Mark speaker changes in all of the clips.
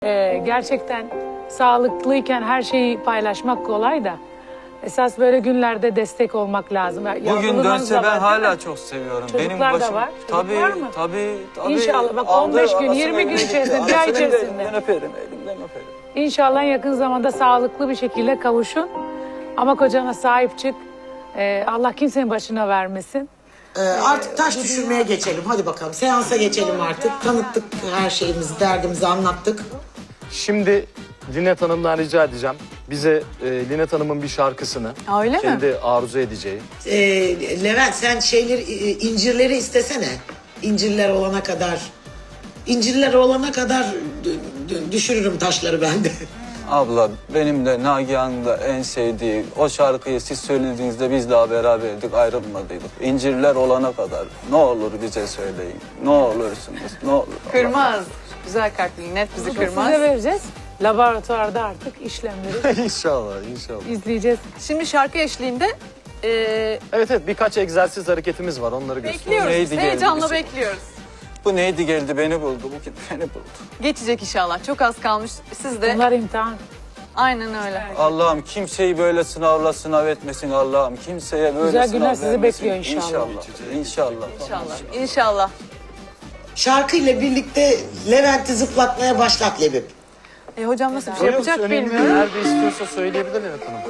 Speaker 1: Gerçekten sağlıklıyken her şeyi paylaşmak kolay da esas böyle günlerde destek olmak lazım.
Speaker 2: Bugün dönse ben hala çok seviyorum.
Speaker 1: Çocuklar da var. Çocuk
Speaker 2: Tabii,
Speaker 1: var mı?
Speaker 2: tabii.
Speaker 1: İnşallah bak 15 gün, 20 gün içerisinde, bir ay içerisinde.
Speaker 2: Elimden öperim, elimden öperim.
Speaker 1: İnşallah yakın zamanda sağlıklı bir şekilde kavuşun. Ama kocana sahip çık. Allah kimsenin başına vermesin.
Speaker 3: Artık taş düşürmeye geçelim. Hadi bakalım. Seansa geçelim artık. Tanıttık her şeyimizi, derdimizi anlattık.
Speaker 4: Şimdi Linet Hanım'dan rica edeceğim. Bize Linet Hanım'ın bir şarkısını
Speaker 5: Öyle mi?
Speaker 4: kendi arzu edeceği.
Speaker 3: Levent sen incirleri istesene. İncirler olana kadar düşürürüm taşları ben de.
Speaker 2: Abla benim de Nagihan'ın da en sevdiği o şarkıyı siz söylediğinizde biz daha beraberdik, ayrılmadıydık. İncirler olana kadar ne olur bize söyleyin. Ne olursunuz, ne olur.
Speaker 5: Kırmaz. Güzel kalpli, net bizi kırmaz.
Speaker 1: Size vereceğiz. Laboratuvarda artık işlemleri
Speaker 4: İnşallah, inşallah.
Speaker 1: izleyeceğiz.
Speaker 5: Şimdi şarkı eşliğinde
Speaker 4: Evet, birkaç egzersiz hareketimiz var. Onları göstereyim.
Speaker 5: bekliyoruz.
Speaker 2: Neydi geldi
Speaker 5: Heyecanla
Speaker 2: bize?
Speaker 5: bekliyoruz.
Speaker 2: Bu neydi geldi beni buldu, bugün beni buldu.
Speaker 5: Geçecek inşallah. Çok az kalmış. Siz de
Speaker 1: Bunlar imtihan.
Speaker 5: aynen öyle.
Speaker 2: Allah'ım kimseyi böyle sınavla sınav etmesin Allah'ım. Kimseye böyle
Speaker 1: Güzel
Speaker 2: sınav
Speaker 1: günler sizi
Speaker 2: vermesin.
Speaker 1: bekliyor inşallah.
Speaker 2: İnşallah.
Speaker 5: İnşallah. İnşallah.
Speaker 3: Şarkıyla birlikte Levent'i zıplatmaya başlat Lebip.
Speaker 5: Hocam nasıl bir şey yapacak
Speaker 4: Önemli değil.
Speaker 5: bilmiyorum.
Speaker 4: Nerede istiyorsa söyleyebilir Linet Hanım.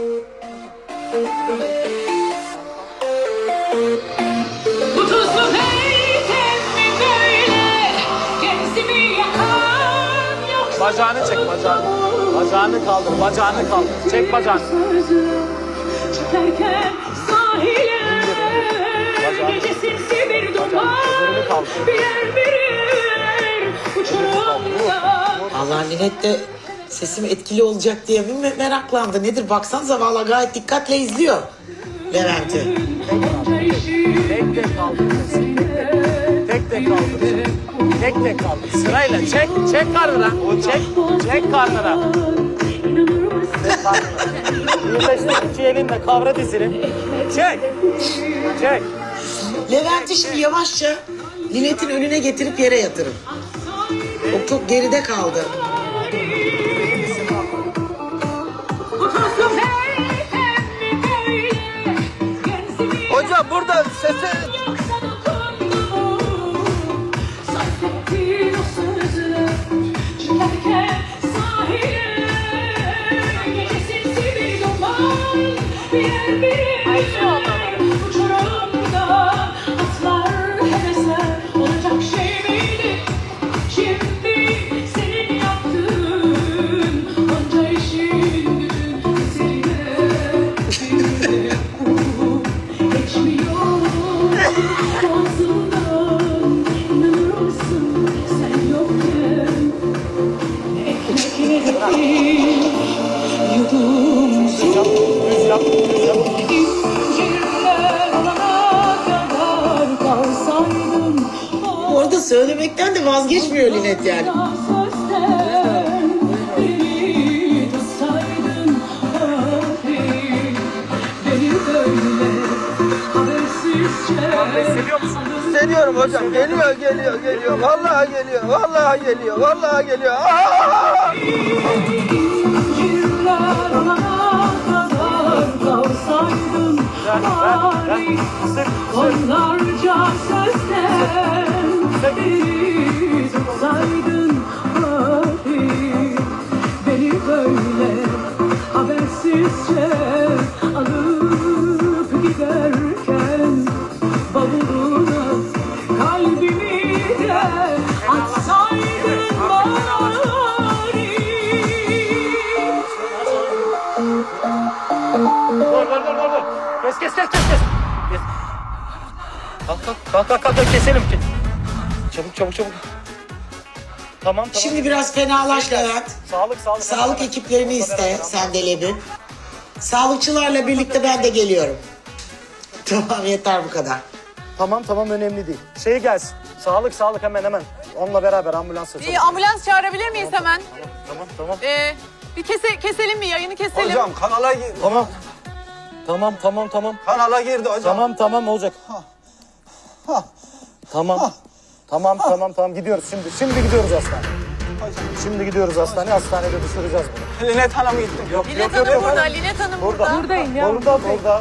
Speaker 6: Bu tuzlu heykel mi böyle gözümü yakan yoksa
Speaker 4: Bacağını çek, bacağını. Bacağını kaldır, bacağını kaldır. Çek bacağını.
Speaker 6: çekerken sahile
Speaker 4: Bacağını.
Speaker 6: gece sinsi bir duman
Speaker 4: Bacağını kaldır.
Speaker 6: bir yer uçurumda.
Speaker 3: Allah Linet de sesim etkili olacak diye bir meraklandı. Nedir baksanıza valla gayet dikkatle izliyor Levent'i.
Speaker 4: Tek tek kaldır. Tek tek kaldır. Tek tek kaldır. Sırayla çek, çek karnına. Çek karnına. Çek karnına. Birleştir iki elinle kavra dizini. Çek. Çek.
Speaker 3: Levent'i şimdi yavaşça Linet'in önüne getirip yere yatırın. O çok geride kaldı.
Speaker 2: Hocam burada sesi...
Speaker 6: Olacak şey miydi? Şimdi senin yaptığın onca işin gücün üzerine geçmiyor ağzından. İnanır mısın sen yokken ekmekleri yudum incirler olana kadar kalsaydın.
Speaker 3: Orada söylemekten de vazgeçmiyor Linet yani.
Speaker 6: Sözden beni tutsaydın, beni böyle habersizce.
Speaker 2: Hissediyorum hocam. Geliyor. Vallahi geliyor. Aa!
Speaker 6: İncirler olana kadar kalsaydın, bari onlarca sözden beni tutsaydın, bari beni böyle habersizce alıp giderken bavuluna kalbimi de atsaydın bari.
Speaker 4: Dur. Kes. Kalk, keselim ki. Çabuk. Tamam.
Speaker 3: Şimdi biraz fenalaş Levent.
Speaker 4: Sağlık.
Speaker 3: Sağlık ekiplerini iste sen de Lebip. Sağlıkçılarla birlikte ben de geliyorum. Tamam yeter bu kadar.
Speaker 4: Tamam, önemli değil. Şey gelsin. Sağlık hemen. Onunla beraber ambulans açalım.
Speaker 5: Ambulans çağırabilir miyiz hemen?
Speaker 4: Tamam.
Speaker 5: Bir keselim mi? Yayını keselim.
Speaker 2: Hocam kanala girdi.
Speaker 4: Tamam.
Speaker 2: Kanala girdi hocam.
Speaker 4: Tamam olacak. Tamam gidiyoruz şimdi. Şimdi gidiyoruz aslan. Şimdi gidiyoruz hastaneye. Hastanede düşüreceğiz bunu.
Speaker 2: Linet Hanım gittim. Yok
Speaker 5: Linet Hanım burada, Linet Hanım burada.
Speaker 1: Buradayım ya.
Speaker 4: Burada.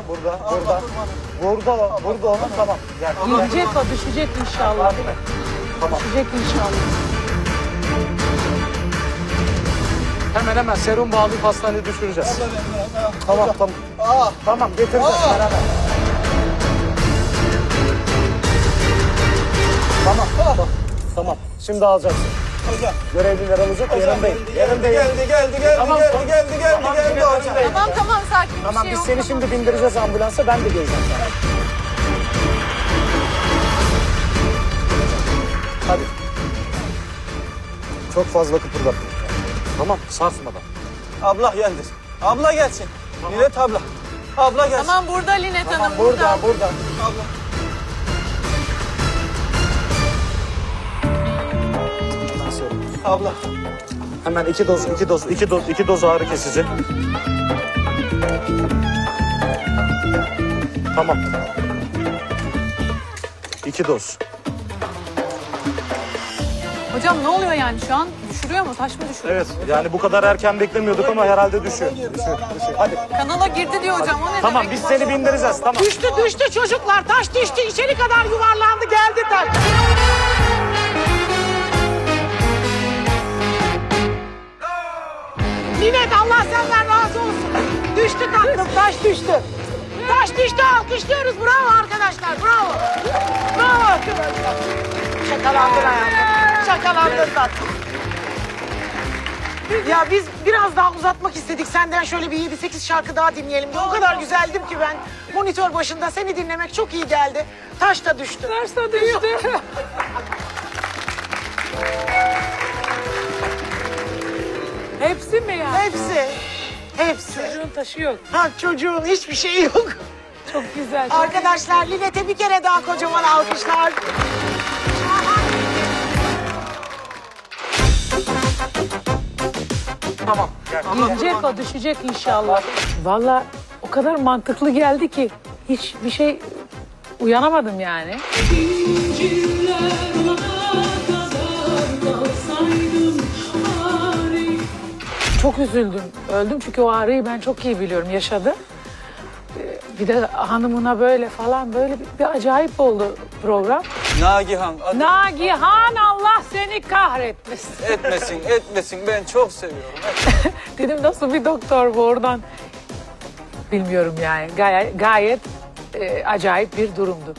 Speaker 4: Burada onun tamam. Gel.
Speaker 1: Gidecek o, düşecek inşallah. Düşecek inşallah.
Speaker 4: Hemen serum bağlayıp hastaneye düşüreceğiz. Tamam. Tamam getireceğiz beraber. Tamam. Şimdi alacaksın.
Speaker 2: Hocam.
Speaker 4: Görevliler alacak. Yanındayım.
Speaker 2: Geldi hocam.
Speaker 5: Tamam sakin bir
Speaker 4: Tamam
Speaker 5: şey
Speaker 4: biz
Speaker 5: yok.
Speaker 4: seni şimdi bindireceğiz ambulansa. Ben de geleceğim sana. Hadi. Çok fazla kıpırdatma. Tamam sarsmadan.
Speaker 2: Abla geldi. Abla gelsin. Linet abla. Abla gelsin.
Speaker 5: Tamam burada Linet Hanım
Speaker 4: Burada.
Speaker 2: Abla. Abla.
Speaker 4: Hemen iki doz ağrı kesici. Tamam. 2 doz.
Speaker 5: Hocam ne oluyor yani şu an? Düşürüyor mu? Taş mı düşürüyor?
Speaker 4: Evet yani bu kadar erken beklemiyorduk ama herhalde düşüyor. Hadi.
Speaker 5: Kanala girdi diyor hocam. O ne
Speaker 4: Tamam
Speaker 5: demek?
Speaker 4: biz seni bindireceğiz tamam.
Speaker 3: Düştü çocuklar. Taş düştü. İçeri kadar yuvarlandı. Geldi taş. Linet Allah senden razı olsun. Düştü tatlım. Taş düştü. Taş düştü. Alkışlıyoruz. Bravo arkadaşlar. Bravo. Bravo arkadaşlar. Şakalandın hayatım. Şakalandın tatlım. Ya biz biraz daha uzatmak istedik. Senden şöyle bir 7-8 şarkı daha dinleyelim diye. O kadar güzeldim ki ben monitör başında seni dinlemek çok iyi geldi. Taş da düştü.
Speaker 1: Taş da düştü. Hepsi mi ya?
Speaker 3: Hepsi.
Speaker 1: Çocuğun taşı yok.
Speaker 3: Ha, çocuğun hiçbir şeyi yok.
Speaker 1: Çok güzel. Çok
Speaker 3: Arkadaşlar Linet'e bir kere daha kocaman alkışlar.
Speaker 4: Tamam. Gel.
Speaker 1: Gidecek o, düşecek inşallah. Vallahi o kadar mantıklı geldi ki hiçbir şey uyanamadım yani.
Speaker 6: İncirler olana kadar kalsaydım bari.
Speaker 1: Çok üzüldüm. Öldüm çünkü o ağrıyı ben çok iyi biliyorum. Yaşadı. Bir de hanımına böyle falan böyle bir acayip oldu program.
Speaker 2: Nagihan.
Speaker 1: Nagihan Allah seni kahretmesin.
Speaker 2: Etmesin. Ben çok seviyorum.
Speaker 1: Dedim nasıl bir doktor bu oradan. Bilmiyorum yani. Gayet acayip bir durumdu.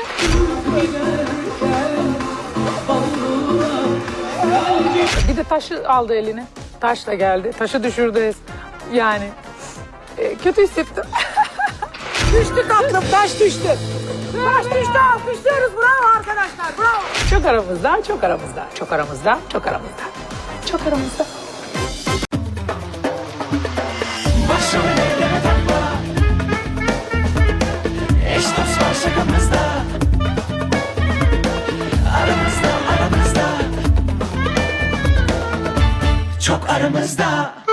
Speaker 1: Bir de taşı aldı eline. Taş da geldi. Taşı düşürdü. Yani kötü hissettim.
Speaker 3: Düştü tatlım, taş düştü. Taş düştü, alkışlıyoruz. Bravo arkadaşlar, bravo.
Speaker 1: Çok aramızda, çok aramızda, çok aramızda, çok aramızda. Çok aramızda.
Speaker 7: Başımı elleme takma. Eş dost var şakamızda. Aramızda. Çok aramızda.